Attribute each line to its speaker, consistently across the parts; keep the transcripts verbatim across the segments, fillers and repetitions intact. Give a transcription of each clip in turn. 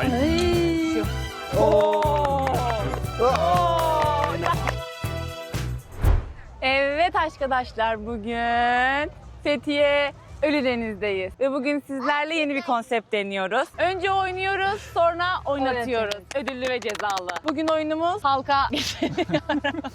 Speaker 1: Hayır.
Speaker 2: Ay.
Speaker 1: Oo.
Speaker 2: Evet arkadaşlar, bugün Fethiye Ölüdeniz'deyiz ve bugün sizlerle yeni bir konsept deniyoruz. Önce oynuyoruz, sonra oynatıyoruz. Ödüllü ve cezalı. Bugün oyunumuz halka geçiriyoruz.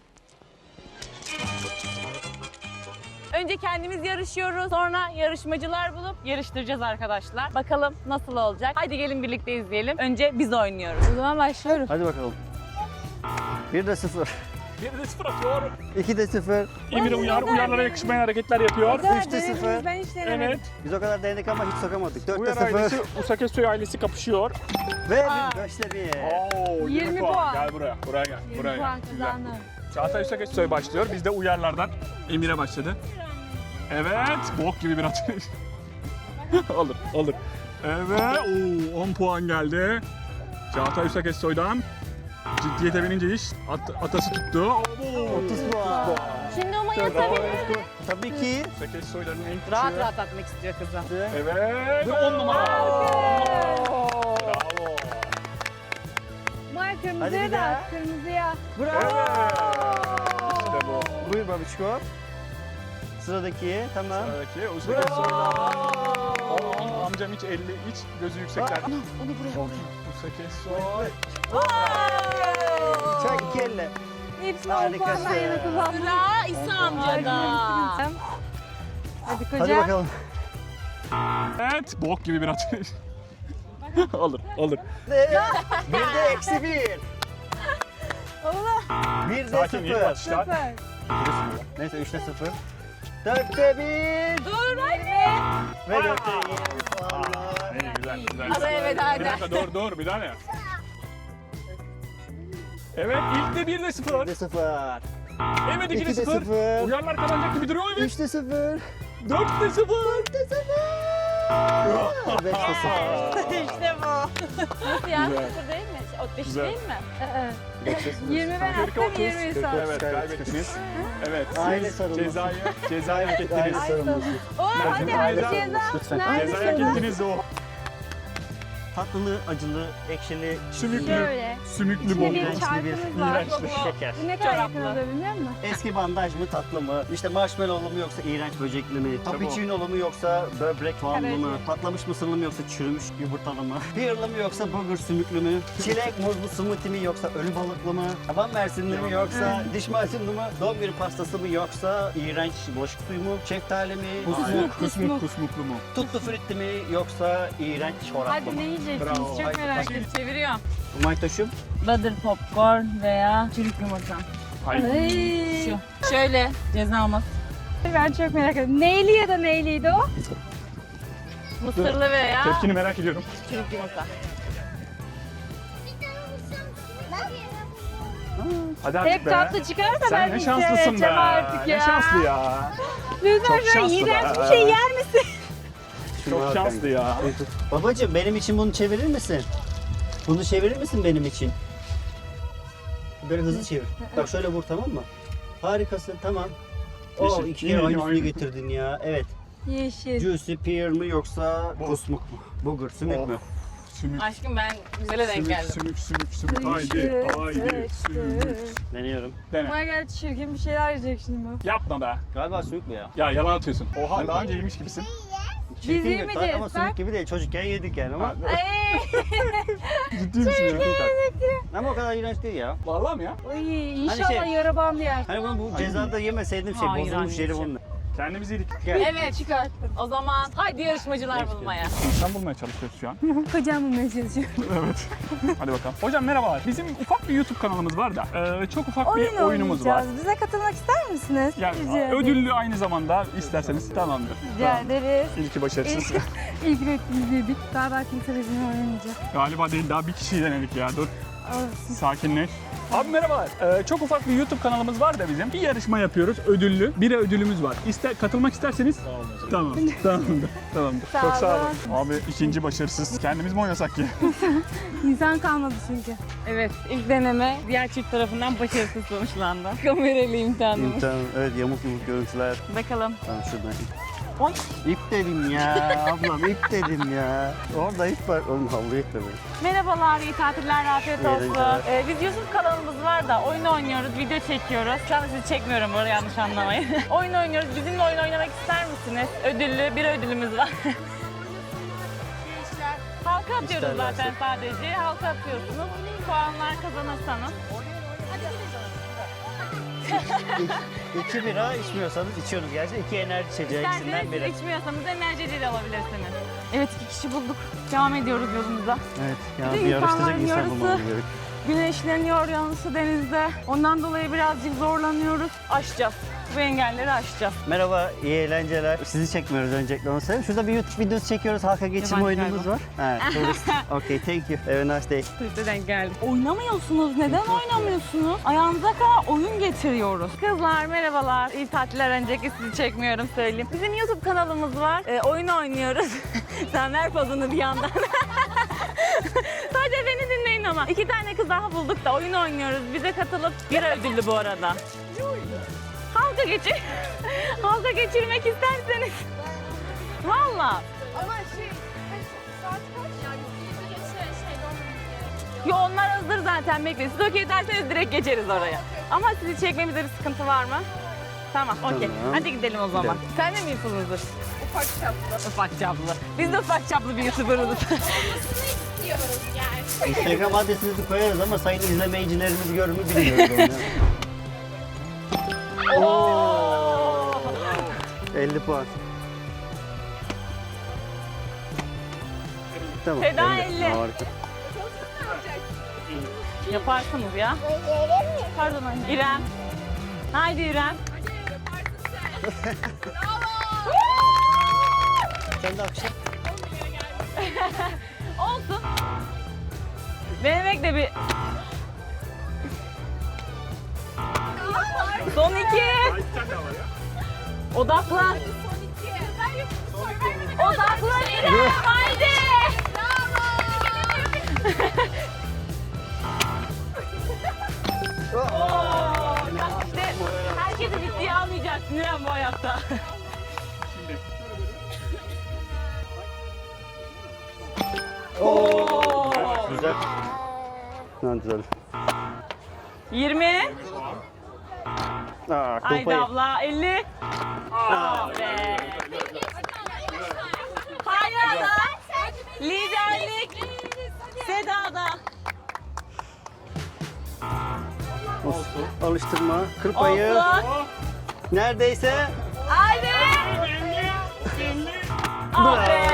Speaker 2: Önce kendimiz yarışıyoruz, sonra yarışmacılar bulup yarıştıracağız arkadaşlar. Bakalım nasıl olacak? Haydi gelin birlikte izleyelim. Önce biz oynuyoruz. O zaman başlıyoruz.
Speaker 3: Hadi bakalım. bir de sıfır.
Speaker 1: Bir de sıfır atıyor.
Speaker 3: iki de sıfır.
Speaker 1: Emir uyar, uyarlara yakışmayan hareketler yapıyor.
Speaker 3: üç de sıfır.
Speaker 2: Ben hiç denemedim.
Speaker 1: Evet.
Speaker 3: Biz o kadar denedik ama hiç sokamadık. dört de
Speaker 1: Uyar ailesi,
Speaker 3: sıfır.
Speaker 1: Usakesoy ailesi kapışıyor.
Speaker 3: Ve
Speaker 2: Aa.
Speaker 3: beşte bir.
Speaker 1: Oo,
Speaker 2: yirmi puan.
Speaker 1: Gel buraya, buraya gel. Buraya
Speaker 2: puan
Speaker 1: gel. Güzel.
Speaker 2: kazandım.
Speaker 1: Çağatay Usakesoy başlıyor. Biz de uyarlardan Emir'e başladı. Evet, bok gibi bir atış. olur, olur. Evet, oo, on puan geldi. Çağatay Usakesoy'dan. Ciddiyete binince iş at, atası tuttu. Oo,
Speaker 3: otuz puan.
Speaker 2: Şimdi ama
Speaker 3: Bravo.
Speaker 2: yatabilir.
Speaker 3: Tabii ki.
Speaker 1: Usakesoy'ların en küçüğü.
Speaker 2: Rahat rahat atmak istiyor kızım.
Speaker 1: Evet, on numara. Bravo.
Speaker 2: May
Speaker 3: Hadi bir
Speaker 2: kırmızıya da
Speaker 3: daha.
Speaker 2: at, kırmızıya.
Speaker 1: Evet. İşte bu.
Speaker 3: Buyur babişko. Sıradaki. Tamam.
Speaker 1: Sıradaki Usakesoy'dan. Aa, amcam hiç elli, hiç gözü yüksekler.
Speaker 2: Onu buraya koy.
Speaker 1: Usakesoy.
Speaker 3: Çak iki elle.
Speaker 2: Hepsini on
Speaker 3: Harikasın.
Speaker 2: puandan yana kullandım. Sıra İsa amcada. Hadi
Speaker 3: Hadi
Speaker 2: koca.
Speaker 3: bakalım.
Speaker 1: Evet, bok gibi bir atış. olur, olur.
Speaker 3: bir de eksi bir.
Speaker 2: Allah.
Speaker 3: bir de
Speaker 1: Sakin, iyi
Speaker 3: sıfır.
Speaker 1: atışlar.
Speaker 2: Süper.
Speaker 3: Neyse üçte sıfır. dörtte bir.
Speaker 2: Dur hadi.
Speaker 3: Ve dörtte yirmi puanlar.
Speaker 1: Aa, iyi, güzel, güzel.
Speaker 2: Araya veda
Speaker 1: Bir
Speaker 2: eder.
Speaker 1: dakika, dur, dur, bir tane. Evet, ilk de bir de sıfır.
Speaker 3: bir de sıfır.
Speaker 1: Evet, iki de
Speaker 3: iki de
Speaker 1: sıfır.
Speaker 3: sıfır.
Speaker 1: Uyarlar kazanacak gibi duruyor, evet.
Speaker 3: üçte sıfır.
Speaker 1: Dört de sıfır.
Speaker 3: beşte sıfır.
Speaker 2: İşte bu. Nasıl ya?
Speaker 1: Güzel.
Speaker 2: Sıfır değil mi? O beş
Speaker 1: Güzel.
Speaker 2: değil mi?
Speaker 3: yirmi
Speaker 2: ben
Speaker 1: Kırk,
Speaker 2: attım,
Speaker 1: otuz,
Speaker 2: yirmi
Speaker 1: kırk,
Speaker 2: sen.
Speaker 1: Evet, kaybettiniz. Evet,
Speaker 3: Aile
Speaker 1: siz
Speaker 3: sarılması.
Speaker 1: cezayı, cezayı hak
Speaker 3: Aile
Speaker 1: ettiniz.
Speaker 3: sarılması.
Speaker 2: Oo hadi
Speaker 1: Ceza.
Speaker 2: hadi ceza.
Speaker 3: Lütfen.
Speaker 2: Nerede
Speaker 1: Cezayı hak
Speaker 2: ceza?
Speaker 1: ettiniz o.
Speaker 3: Tatlılı, acılı, ekşili,
Speaker 1: Sümüklü,
Speaker 2: Şöyle.
Speaker 1: sümüklü
Speaker 2: İçine
Speaker 1: bol.
Speaker 2: bir
Speaker 3: iğrençli bir,
Speaker 2: çarpımız var.
Speaker 1: iğrençli.
Speaker 3: şeker.
Speaker 2: Bu ne kadar yakın Çoraplı. olabilir musun?
Speaker 3: Eski bandaj mı tatlı mı? İşte marshmallow mu yoksa iğrenç böcekli mi? Cappuccino mu yoksa böbrek soğanlı mı?
Speaker 2: Karaciğer.
Speaker 3: Patlamış mısırlı mı yoksa çürümüş yumurtalı mı? Pearlı mı yoksa burger sümüklü mü? Çilek muzlu smoothie mi yoksa ölü balıklı mı? Taban mersinli mi yoksa diş macunlu mu? Doğum günü pastası mı yoksa iğrenç bulaşık suyu mu? Şeftali mi? Kusmuk.
Speaker 1: Kusmuk, kusmuklu mu?
Speaker 3: Tuttu fritti mi yoksa iğrenç çoraplı
Speaker 2: Hadi
Speaker 3: mı?
Speaker 2: ne yiyeceksiniz?
Speaker 1: Bravo.
Speaker 2: Çok merak ettim. Çeviriyorum.
Speaker 3: Maytoşum.
Speaker 2: Butter popcorn veya çürük yumurta.
Speaker 1: Hayır.
Speaker 2: Şu. Şöyle cezamız. Ben çok merak ettim. Neyli ya da neyliydi o? Mısırlı veya
Speaker 1: Tepkini merak ediyorum.
Speaker 2: çürük yumurta.
Speaker 1: Hadi artık
Speaker 2: Hep
Speaker 1: be.
Speaker 2: tatlı çıkarsa ben
Speaker 1: Sen ne şanslısın be.
Speaker 2: içeceğim artık ya.
Speaker 1: Ne şanslı ya.
Speaker 2: Lütfen
Speaker 1: Çok
Speaker 2: şöyle
Speaker 1: şanslı
Speaker 2: iğrenç
Speaker 1: be.
Speaker 2: bir şey yer misin?
Speaker 1: Çok şanslı ya.
Speaker 3: Babacığım benim için bunu çevirir misin? Bunu çevirir misin benim için? Böyle hızlı çevir. Bak şöyle vur, tamam mı? Harikasın, tamam. O
Speaker 1: Yeşil.
Speaker 3: iki
Speaker 1: Yine
Speaker 3: kere
Speaker 1: aynı,
Speaker 3: aynısını
Speaker 1: aynı.
Speaker 3: getirdin ya. Evet.
Speaker 2: Yeşil.
Speaker 3: Juicy pear mı yoksa
Speaker 1: Bu.
Speaker 3: kusmuk mu? Burger, sümük
Speaker 1: Of.
Speaker 3: mü?
Speaker 1: Sümük,
Speaker 2: Aşkım ben güzele denk
Speaker 1: sümük,
Speaker 2: geldim.
Speaker 1: sümük, sümük, sümük. Haydi, haydi, sümük.
Speaker 3: Deniyorum.
Speaker 1: Dene.
Speaker 2: Bana geldi çirkin bir şeyler yiyecek şimdi bu.
Speaker 1: Yapma be.
Speaker 3: Galiba sümük mü ya?
Speaker 1: Ya yalan atıyorsun. Oha, daha önce yemiş gibisin.
Speaker 3: Çirkin bir-
Speaker 2: yemeyeceğiz,
Speaker 3: Ama
Speaker 2: bak.
Speaker 3: sümük gibi değil. Çocukken yedik yani ama.
Speaker 1: Ciddi misin ya?
Speaker 3: Ama o kadar iğrenç değil ya.
Speaker 1: Vallahi mi ya?
Speaker 2: Ay inşallah
Speaker 3: şey-
Speaker 2: yara bandı yer.
Speaker 3: Hani bunu bu cezada yemeseydim şey
Speaker 2: Hayır
Speaker 3: bozulmuş yeri
Speaker 2: anneciğim.
Speaker 3: bunun.
Speaker 1: Kendimizi yedik.
Speaker 3: Gel.
Speaker 2: Evet çıkarttım. O zaman haydi yarışmacılar bulmaya.
Speaker 1: Sen bulmaya çalışıyoruz şu an.
Speaker 2: Kocam bulmaya çalışıyorum.
Speaker 1: Evet. Hadi bakalım. Hocam merhabalar. Bizim ufak bir YouTube kanalımız var da e, çok ufak bir oyunumuz var.
Speaker 2: Bize katılmak ister misiniz?
Speaker 1: Yani
Speaker 2: Rica ederim.
Speaker 1: ödüllü aynı zamanda isterseniz tamamdır.
Speaker 2: Rica
Speaker 1: Tamam.
Speaker 2: ederiz.
Speaker 1: İlki başarısız.
Speaker 2: İlk, ilk ürettiğimiz dedik. Galiba kimse bizimle oynamayacak.
Speaker 1: Galiba değil, daha bir kişiyi denedik ya. Dur,
Speaker 2: Olsun.
Speaker 1: sakinleş. Abi merhabalar. Ee, çok ufak bir YouTube kanalımız var da bizim. Bir yarışma yapıyoruz, ödüllü. Bir ödülümüz var. İster, katılmak isterseniz. Tamam. Tamamdır. Tamamdır.
Speaker 2: Sağ
Speaker 1: Çok sağ
Speaker 2: olun.
Speaker 1: olun. Abi ikinci başarısız. Kendimiz mi oynasak ki?
Speaker 2: İnsan kalmadı çünkü. Evet, ilk deneme diğer çift tarafından başarısız sonuçlandı. Kameralı imtihanımız.
Speaker 3: Tamam, evet, yamuk yumuk görüntüler.
Speaker 2: Bakalım.
Speaker 3: Tamam şuradan.
Speaker 2: Oy.
Speaker 3: İp dedim ya ablam ip dedim ya. Orada ip var. Oğlum havluyu iple böyle.
Speaker 2: Merhabalar, iyi tatiller, afiyet
Speaker 3: İyi
Speaker 2: olsun.
Speaker 3: eğlenceler.
Speaker 2: Ee, biz YouTube kanalımız var da oyun oynuyoruz, video çekiyoruz. Şu anda sizi çekmiyorum, orayı yanlış anlamayın. Oyun oynuyoruz, bizimle oyun oynamak ister misiniz? Ödüllü, bir ödülümüz var. Halka atıyoruz
Speaker 3: İsterlerse.
Speaker 2: zaten sadece. Halka atıyorsunuz. Puanlar kazanırsanız.
Speaker 3: İki bira içmiyorsanız içiyorsunuz gerçi. İki enerji içeceği ikisinden
Speaker 2: İsterseniz
Speaker 3: biri.
Speaker 2: siz içmiyorsanız enerjiyle alabilirsiniz. Evet, iki kişi bulduk. Devam ediyoruz yolumuza.
Speaker 3: Evet ya
Speaker 2: Bir de
Speaker 3: bir yarıştıracak
Speaker 2: insanların
Speaker 3: insan bulmamız
Speaker 2: yarısı-
Speaker 3: gerek.
Speaker 2: Güneşleniyor yanısı denizde. Ondan dolayı birazcık zorlanıyoruz. Aşacağız. Bu engelleri aşacağız.
Speaker 3: Merhaba, iyi eğlenceler. Sizi çekmiyoruz öncelikle onu söyleyeyim. Şurada bir YouTube videosu çekiyoruz. Halka geçirme
Speaker 2: Yabancı
Speaker 3: oyunumuz
Speaker 2: galiba.
Speaker 3: var. Evet, tourist. Okay, thank you. Have a nice day.
Speaker 2: Turiste denk geldik. Oynamıyorsunuz. Neden oynamıyorsunuz? Ayağınıza kadar oyun getiriyoruz. Kızlar merhabalar. İyi tatiller, önceki sizi çekmiyorum söyleyeyim. Bizim YouTube kanalımız var. Ee, oyun oynuyoruz. Sen ver pozunu bir yandan. Sadece beni dinleyin ama. İki tane kız daha bulduk da oyun oynuyoruz. Bize katılıp bir ödüllü bu arada. Halka geçir. Halka geçirmek isterseniz. Valla.
Speaker 4: Ama şey, kaç, saat kaç? Yani yüzde geçe şeyde olmamız gerekiyor.
Speaker 2: Yo, onlar hazır zaten, bekleyin. Siz okey derseniz direkt geçeriz oraya. Ama sizi çekmemizde bir sıkıntı var mı? Tamam, okey.
Speaker 3: Tamam.
Speaker 2: Hadi gidelim o zaman.
Speaker 3: Gidelim.
Speaker 2: Sen de mi YouTuber'sın?
Speaker 4: Ufak çaplı.
Speaker 2: Ufak çaplı. Biz de ufak çaplı bir YouTuber'ız.
Speaker 4: Olmasını istiyoruz yani.
Speaker 3: Instagram adresinizi koyarız ama sayın izleyicilerimiz görür mü bilmiyoruz onu.
Speaker 2: Oo!
Speaker 3: elli puan. Tamam.
Speaker 2: Feda elli.
Speaker 3: Harika.
Speaker 2: Yaparsınız ya. Pardon anne. İrem. Haydi İrem.
Speaker 3: Sen de akşam.
Speaker 2: Olsun. Denemek de bir... Son iki. Odaklan. Odaklan İrem. Haydi. Oo, işte herkesi ciddiye almayacaksın İrem bu hayatta. Oo.
Speaker 3: Güzel. Ha, güzel.
Speaker 2: yirmi.
Speaker 3: Aa,
Speaker 2: Haydi
Speaker 3: kupayı.
Speaker 2: abla. elli. Ah be. Hayada. Liderlik. Seda'da.
Speaker 3: Olsun. Alıştırma. Kır payı.
Speaker 2: Olsun.
Speaker 3: Neredeyse.
Speaker 2: Haydi. Ah be.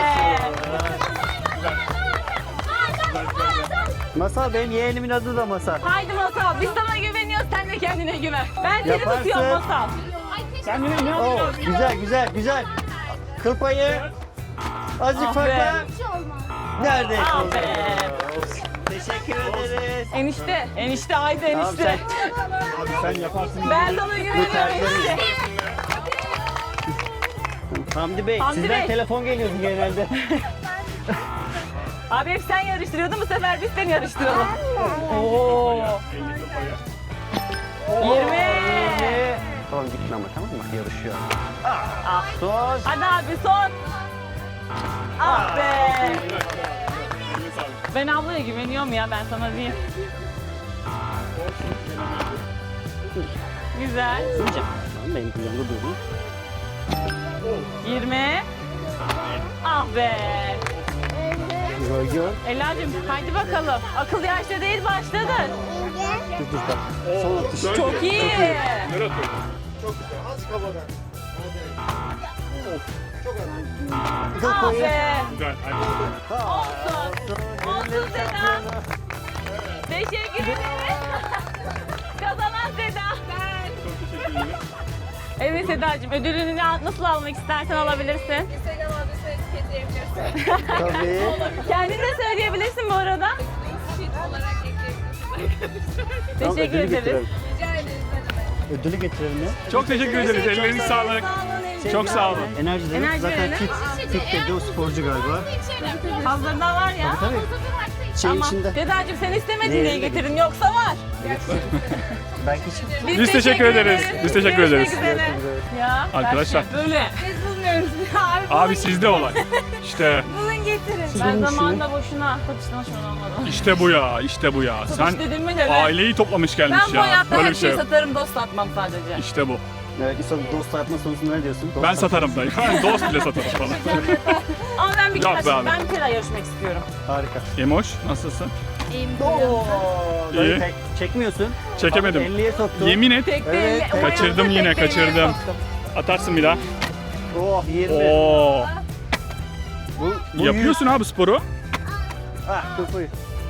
Speaker 3: Masal benim yeğenimin adı da Masal.
Speaker 2: Haydi Masal. Biz sana güveniyoruz. Sen de kendine güven. Ben seni
Speaker 3: Yaparsın.
Speaker 2: tutuyorum Masal.
Speaker 1: Kendine ne
Speaker 3: Oo,
Speaker 1: yapıyorsun?
Speaker 3: güzel güzel güzel. Kıl payı. Azıcık
Speaker 2: Ah
Speaker 3: farkla.
Speaker 2: be.
Speaker 3: Neredeyse.
Speaker 2: Ah
Speaker 3: oldu.
Speaker 2: be.
Speaker 3: Teşekkür ederiz.
Speaker 2: Enişte. Enişte haydi
Speaker 3: Tamam,
Speaker 2: enişte.
Speaker 1: Abi sen yaparsın.
Speaker 2: Ben sana güveniyorum enişte.
Speaker 3: Hamdi Bey,
Speaker 2: Hamdi
Speaker 3: sizden
Speaker 2: Bey.
Speaker 3: telefon geliyordu genelde.
Speaker 2: Abi hep sen yarıştırıyordun, bu sefer biz seni yarıştıralım. Oo. yirmi.
Speaker 3: Tamam gitme ama tamam mı? Yarışıyor.
Speaker 2: Ah.
Speaker 3: Son.
Speaker 2: Hadi abi son. Ah be. Ben ablaya güveniyorum ya, ben sana diyeyim. Güzel.
Speaker 3: Tamam, benim kucağımda durdu.
Speaker 2: yirmi. Ah be.
Speaker 3: Gör gör.
Speaker 2: Ela'cığım haydi bakalım. Akıl yaşta değil, başladı.
Speaker 3: Dur dur bak. Son atış.
Speaker 2: Çok iyi.
Speaker 1: Nereye atıyorsun?
Speaker 3: Kıl
Speaker 2: Ah
Speaker 3: payı.
Speaker 2: be.
Speaker 1: Güzel. Hadi.
Speaker 2: Olsun. Olsun Seda. Teşekkür ederim. Kazanan Seda.
Speaker 1: Çok teşekkür ederim.
Speaker 2: Evet Sedacığım, ödülünü ne- nasıl almak istersen alabilirsin.
Speaker 4: Instagram adresine etiketleyebilirsin.
Speaker 3: Tabii.
Speaker 2: Kendin de söyleyebilirsin bu arada.
Speaker 4: Fit olarak ekleyebilirsin.
Speaker 3: Tamam,
Speaker 2: Teşekkür
Speaker 3: ödülü
Speaker 2: ederiz.
Speaker 3: getirelim.
Speaker 4: Rica ederiz ne demek.
Speaker 3: Ödülü getirelim ya.
Speaker 1: Çok teşekkür ederiz. Elleriniz sağlık. Çok sağ olun.
Speaker 3: Enerji demek
Speaker 2: Enerji
Speaker 3: zaten
Speaker 2: verelim.
Speaker 3: fit. Fit dedi o sporcu galiba.
Speaker 2: Fazladan var ya.
Speaker 3: Tabii. Şey
Speaker 2: Ama
Speaker 3: içinde.
Speaker 2: Sedacığım sen istemedin
Speaker 3: Ne?
Speaker 2: diye getirin, yoksa var.
Speaker 3: Belki için.
Speaker 1: Biz teşekkür ederiz. Biz teşekkür
Speaker 2: Görüşmek
Speaker 1: ederiz.
Speaker 2: üzere. Ya
Speaker 1: Arkadaşlar.
Speaker 2: Böyle.
Speaker 4: Biz bu
Speaker 2: Bulmuyoruz. Abi,
Speaker 1: Abi sizde olay. İşte
Speaker 2: bulun getirin.
Speaker 3: Sizin
Speaker 2: Ben
Speaker 3: işini-
Speaker 2: zamanında boşuna satıştan şunu almadım.
Speaker 1: işte bu ya, işte bu ya. Sen
Speaker 2: Satış dedim mi de ben,
Speaker 1: aileyi toplamış gelmiş
Speaker 2: ben bu
Speaker 1: ya.
Speaker 2: hayatta
Speaker 1: Böyle
Speaker 2: her
Speaker 1: bir şey
Speaker 2: şeyi
Speaker 1: yok.
Speaker 2: satarım, dost satmam sadece.
Speaker 1: İşte bu.
Speaker 3: Evet, insan dost yapma konusunda ne diyorsun? Dost
Speaker 1: Ben
Speaker 3: yapma.
Speaker 1: satarım dayı. Ben dost bile satarım falan.
Speaker 2: Ama ben bir
Speaker 1: Yok
Speaker 2: kere,
Speaker 1: be abi.
Speaker 2: ben bir kere yarışmak istiyorum.
Speaker 3: Harika.
Speaker 1: Emoş, nasılsın?
Speaker 3: Oo, dayı
Speaker 1: İyi.
Speaker 3: tek- çekmiyorsun.
Speaker 1: Çekemedim.
Speaker 3: Abi elliye soktu.
Speaker 1: Yemin et,
Speaker 2: Tek
Speaker 3: Evet,
Speaker 2: elle- o
Speaker 1: kaçırdım
Speaker 2: ayağımda
Speaker 1: yine,
Speaker 2: tek elle
Speaker 1: kaçırdım.
Speaker 2: soktum.
Speaker 1: atarsın bir daha.
Speaker 3: Oh yirmi.
Speaker 1: Oo.
Speaker 3: Bu, bu
Speaker 1: Yapıyorsun abi sporu.
Speaker 3: yüz. Ah kafayı.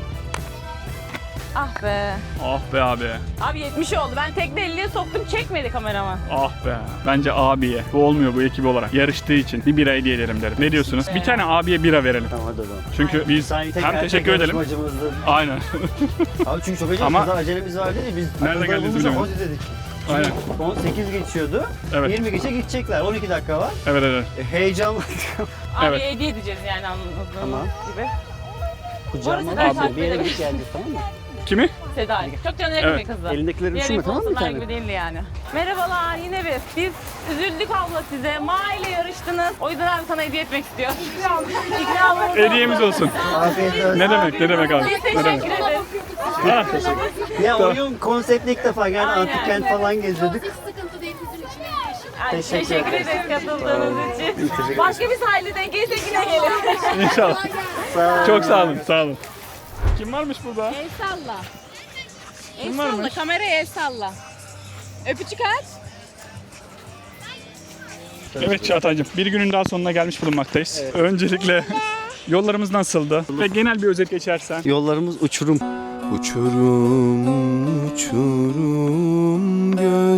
Speaker 2: Ah be.
Speaker 1: Ah be abi.
Speaker 2: Abi yetmiş oldu. Ben tekne elliye soktum, çekmedi kameraman.
Speaker 1: Ah be. Bence abiye. Bu olmuyor bu ekibi olarak. Yarıştığı için bir bira hediye edelim derim. Ne diyorsunuz? Bir tane abiye bira verelim.
Speaker 3: Tamam hadi o zaman.
Speaker 1: Çünkü biz
Speaker 3: Sen tek
Speaker 1: hem
Speaker 3: erkek
Speaker 1: teşekkür edelim.
Speaker 3: yarışmacımızdın.
Speaker 1: Aynen.
Speaker 3: Abi çünkü çok acele
Speaker 1: Ama-
Speaker 3: Ama... acelemiz vardı ya biz.
Speaker 1: Nerede
Speaker 3: akılda
Speaker 1: geldiğinizi
Speaker 3: bulunca
Speaker 1: bilemedim.
Speaker 3: hadi dedik.
Speaker 1: Aynen.
Speaker 3: on sekiz geçiyordu.
Speaker 1: Evet.
Speaker 3: yirmi geçe gidecekler. on iki dakika var.
Speaker 1: Evet evet.
Speaker 3: E, heyecanlı.
Speaker 2: Abi
Speaker 1: Evet.
Speaker 2: hediye edeceğiz yani anladığınız
Speaker 3: Tamam.
Speaker 2: gibi.
Speaker 3: Kucağıma
Speaker 2: Orası
Speaker 3: aldı.
Speaker 2: da-
Speaker 3: Bir yere gidip geleceğiz tamam mı?
Speaker 1: Kimi?
Speaker 2: Seda. Çok canı yakın
Speaker 1: Evet.
Speaker 2: bir kızı.
Speaker 3: Elindekileri
Speaker 2: Diğer
Speaker 3: düşünme tamam mı bir
Speaker 2: influencerlar
Speaker 3: tane?
Speaker 2: gibi değildi yani. Merhabalar yine biz. Biz üzüldük abla size. Ma ile yarıştınız. O yüzden abi sana hediye etmek istiyor. İkramımız
Speaker 1: Hediyemiz olsun.
Speaker 3: Afiyet olsun.
Speaker 1: Ne demek ne demek abi?
Speaker 2: Biz
Speaker 1: Ne demek?
Speaker 2: teşekkür ederiz.
Speaker 1: Ha.
Speaker 3: Ya oyun konseptli ilk defa yani
Speaker 2: Aynen.
Speaker 3: antik kent falan geziyorduk.
Speaker 4: Hiç sıkıntı değil bizim için en iyisi.
Speaker 2: Ay,
Speaker 3: Teşekkür
Speaker 2: Teşekkür
Speaker 3: ederiz.
Speaker 2: ederiz katıldığınız için.
Speaker 3: Teşekkür
Speaker 2: Başka bir sahilde denk gelirse yine gelin.
Speaker 1: İnşallah.
Speaker 3: Sağ olun.
Speaker 1: Çok sağ olun sağ olun. Kim varmış burada?
Speaker 2: El salla. El
Speaker 1: Kim
Speaker 2: salla,
Speaker 1: varmış?
Speaker 2: kameraya el salla. Öpücük at.
Speaker 1: Evet Çağatay'cığım bir günün daha sonuna gelmiş bulunmaktayız. Öncelikle yollarımız nasıldı? Ve genel bir özet geçersen.
Speaker 3: Yollarımız uçurum.
Speaker 5: Uçurum uçurum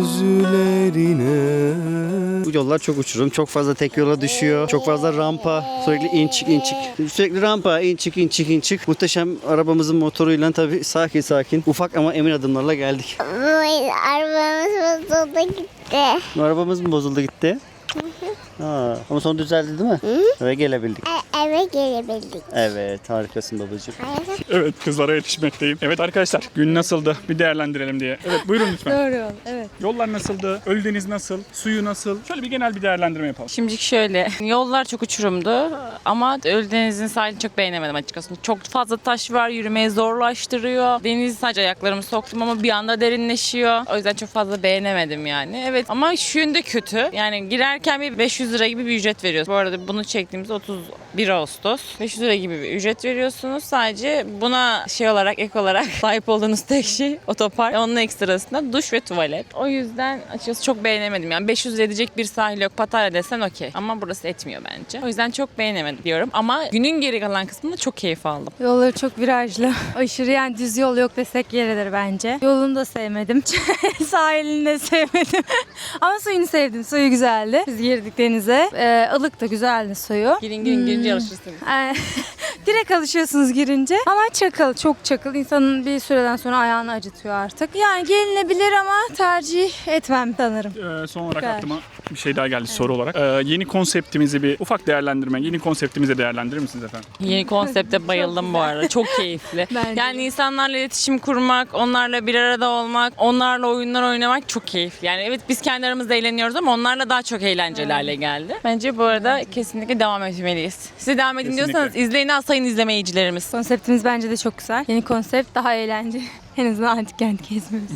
Speaker 5: gözlerine.
Speaker 3: Bu yollar çok uçurum. Çok fazla tek yola düşüyor. Çok fazla rampa. Sürekli in çık in çık. Sürekli rampa in çık in çık in çık. Muhteşem arabamızın motoruyla tabii sakin sakin. Ufak ama emin adımlarla geldik.
Speaker 6: Arabamız bozuldu gitti.
Speaker 3: Arabamız mı bozuldu gitti? Ha, ama sonra düzeldi değil mi? Eve gelebildik.
Speaker 6: E, eve gelebildik.
Speaker 3: Evet harikasın babacığım.
Speaker 1: Evet kızlara yetişmekteyim. Evet arkadaşlar gün nasıldı? Bir değerlendirelim diye. Evet buyurun lütfen.
Speaker 7: Doğru yol, evet.
Speaker 1: Yollar nasıldı? Ölüdeniz nasıl? Suyu nasıl? Şöyle bir genel bir değerlendirme yapalım.
Speaker 2: Şimdilik şöyle, yollar çok uçurumdu ama Ölüdeniz'in sahilini çok beğenemedim açıkçası. Çok fazla taş var, yürümeyi zorlaştırıyor. Deniz sadece ayaklarımı soktum ama bir anda derinleşiyor. O yüzden çok fazla beğenemedim yani. Evet ama şu yönde kötü. Yani girerken bir beş yüz lira gibi bir ücret veriyoruz. Bu arada bunu çektiğimizde otuz bir Ağustos. beş yüz lira gibi bir ücret veriyorsunuz. Sadece buna şey olarak, ek olarak sahip olduğunuz tek şey otopark. Onun ekstrasında duş ve tuvalet. O yüzden açıkçası çok beğenemedim. Yani beş yüz lira edecek bir sahil yok. Pattaya desen okey. Ama burası etmiyor bence. O yüzden çok beğenemedim diyorum. Ama günün geri kalan kısmında çok keyif aldım.
Speaker 7: Yolları çok virajlı. Aşırı yani düz yol yok desek yeridir bence. Yolunu da sevmedim. Sahilini de sevmedim. Ama suyunu sevdim. Suyu güzeldi. Biz girdik denize. Ee, ılık da güzeldi suyu.
Speaker 2: Girin girin girince alışırsınız.
Speaker 7: Ee, direkt alışıyorsunuz girince. Ama çakıl, çok çakıl. İnsanın bir süreden sonra ayağını acıtıyor artık. Yani gelinebilir ama tercih etmem sanırım.
Speaker 1: Ee, son olarak
Speaker 7: Süper.
Speaker 1: aklıma bir şey daha geldi soru olarak. Ee, yeni konseptimizi bir ufak değerlendirme, yeni konseptimizi değerlendirir misiniz efendim?
Speaker 2: Yeni konsepte bayıldım bu arada. Çok keyifli.
Speaker 7: Bence
Speaker 2: Yani
Speaker 7: de.
Speaker 2: insanlarla iletişim kurmak, onlarla bir arada olmak, onlarla oyunlar oynamak çok keyifli. Yani evet biz kendi aramızda eğleniyoruz ama onlarla daha çok eğlenceli hale geldi. Bence bu arada kesinlikle devam etmeliyiz. Siz devam edin
Speaker 1: Kesinlikle.
Speaker 2: diyorsanız izleyin az sayın izlemeyicilerimiz.
Speaker 7: Konseptimiz bence de çok güzel. Yeni konsept daha eğlenceli. En azından antik kent gezmiyoruz.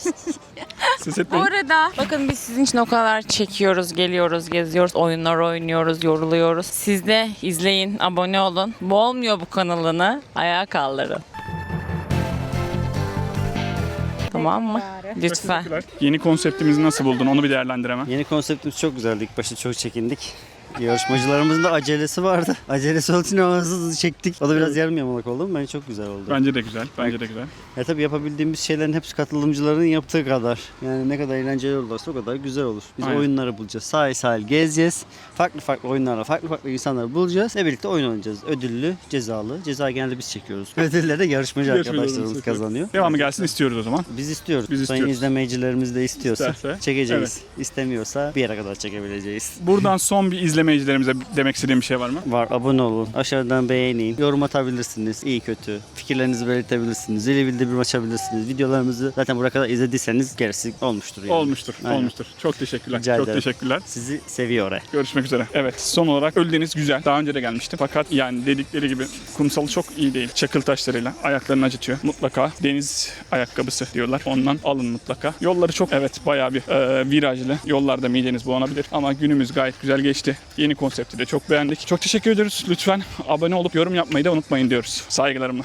Speaker 1: Ses
Speaker 2: Bu
Speaker 1: etmeyin.
Speaker 2: arada bakın biz sizin için o kadar çekiyoruz, geliyoruz, geziyoruz, oyunlar oynuyoruz, yoruluyoruz. Siz de izleyin, abone olun. Bu olmuyor bu kanalını. Ayağa kaldırın. Tamam mı? Lütfen.
Speaker 1: Teşekkürler. Yeni konseptimizi nasıl buldun? Onu bir değerlendiremem.
Speaker 3: Yeni konseptimiz çok güzeldi. İlk başta çok çekindik. Yarışmacılarımızın da acelesi vardı. Acelesi olduğu için hızlı hızlı çektik. O da biraz yarım yamalak oldu ama bence çok güzel oldu.
Speaker 1: Bence de güzel. Bence de güzel.
Speaker 3: Ya tabii yapabildiğimiz şeylerin hepsi katılımcıların yaptığı kadar. Yani ne kadar eğlenceli olursa o kadar güzel olur. Biz
Speaker 1: Aynen.
Speaker 3: oyunları bulacağız. Sahil sahil gezeceğiz. Farklı farklı oyunlarla farklı farklı insanları bulacağız. Ve birlikte oyun oynayacağız. Ödüllü, cezalı. Ceza genelde biz çekiyoruz. Ödülleri de yarışmacı
Speaker 1: Yarışmacılarımız
Speaker 3: arkadaşlarımız
Speaker 1: çekiyor.
Speaker 3: kazanıyor.
Speaker 1: Devamı gelsin istiyoruz o zaman.
Speaker 3: Biz istiyoruz.
Speaker 1: Biz
Speaker 3: Sayın
Speaker 1: istiyoruz.
Speaker 3: izlemeyicilerimiz de istiyorsa
Speaker 1: İsterse,
Speaker 3: çekeceğiz. İstemiyorsa bir yere kadar çekebileceğiz.
Speaker 1: Buradan son bir izleme izlemeyicilerimize demek istediğim bir şey var mı?
Speaker 3: Var, abone olun. Aşağıdan beğenin. Yorum atabilirsiniz. İyi kötü. Fikirlerinizi belirtebilirsiniz. Zili bildirim açabilirsiniz. Videolarımızı zaten buraya kadar izlediyseniz gerisi olmuştur. Yani.
Speaker 1: Olmuştur,
Speaker 3: Aynen.
Speaker 1: olmuştur. Çok teşekkürler.
Speaker 3: Rica
Speaker 1: Çok
Speaker 3: ederim.
Speaker 1: teşekkürler.
Speaker 3: Sizi seviyor oraya.
Speaker 1: Görüşmek üzere. Evet, son olarak Ölüdeniz güzel. Daha önce de gelmiştim. Fakat yani dedikleri gibi kumsalı çok iyi değil. Çakıl taşlarıyla ayaklarını acıtıyor. Mutlaka deniz ayakkabısı diyorlar. Ondan alın mutlaka. Yolları çok evet bayağı bir e, virajlı. Yollarda mideniz bulanabilir. Ama günümüz gayet güzel geçti. Yeni konsepti de çok beğendik. Çok teşekkür ediyoruz. Lütfen abone olup yorum yapmayı da unutmayın diyoruz. Saygılarımla.